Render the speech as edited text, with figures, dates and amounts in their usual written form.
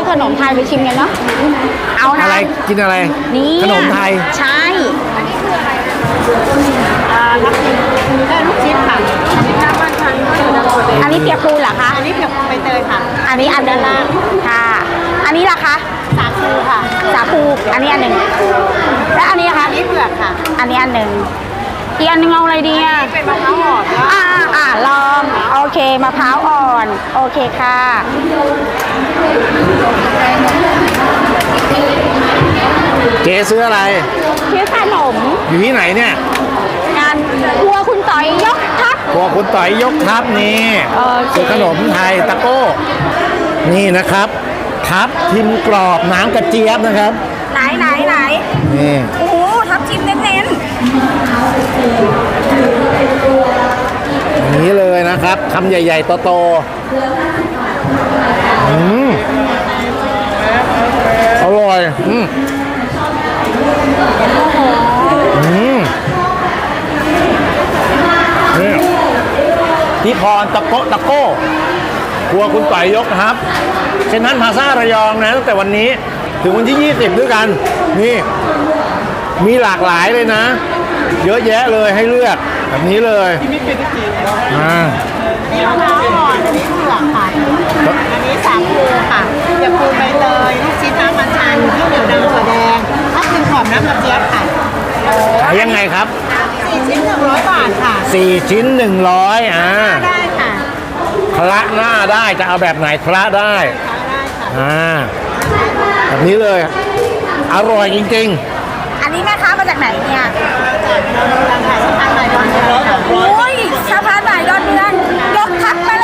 ขนมไทยไปชิมกันเนาะเอานะอะไรกินอะไรนี่ขนมไทยใช่อันนี้คืออะไรรับลูกชิ้นค่ะอันนี้น้ำมันชันอันนี้เปียกปูนเหรอคะอันนี้เปียกใบเตยค่ะอันนี้อันด้านล่างค่ะอันนี้ล่ะคะสาคูค่ะสาคูอันนี้อันหนึ่งและอันนี้คะอันนี้เผือกค่ะอันนี้อันหนึ่งอีกอันหนึงเอาอะไรดีอ่ะเป็นมะพร้าวอ่อนลองโอเคมะพร้าวอ่อนโอเคค่ะเจ๊ซื้ออะไรชื่อขนมอยู่ที่ไหนเนี่ยงานครัวคุณต่อยยกทัพครัวคุณต่อยยกทัพนี่โอเคคือขนมไทยตะโก้ นี่นะครับ ทับทิมกรอบน้ำกระเจี๊ยบนะครับไหนนี่โอ้โหทับทิมเน้นอย่างนี้เลยนะครับคำใหญ่ๆโตๆอร่อยนี่ที่พรตะโก้ครัวคุณต่อยยกครับเซ็นทรัลพลาซ่าระยองนะตั้งแต่วันนี้ถึงวันที่ 20 ด้วยกันนี่มีหลากหลายเลยนะ เยอะแยะเลยให้เลือกแบบนี้เลยอ่าๆนี่มะพร้าวอ่อนอันนี้เผือกค่ะอันนี้สาคูค่ะเปียกปูนใบเตยลูกชิ้นน้ำมันชันข้าวเหนียวดำถั่วแดงทับทิมกรอบน้ำกระเจี๊ยบค่ะขายยังไงครับ 4 ชิ้น100 บาทค่ะ 4 ชิ้น 100 ได้ค่ะคละหน้าได้จะเอาแบบไหนคละได้ได้ค่ะแบบนี้เลย อร่อยจริงอันนี้แม่ค้ามาจากไหนเนี่ยๆโอ้ยสะพานใหม่ดอนเมืองยกทัพมา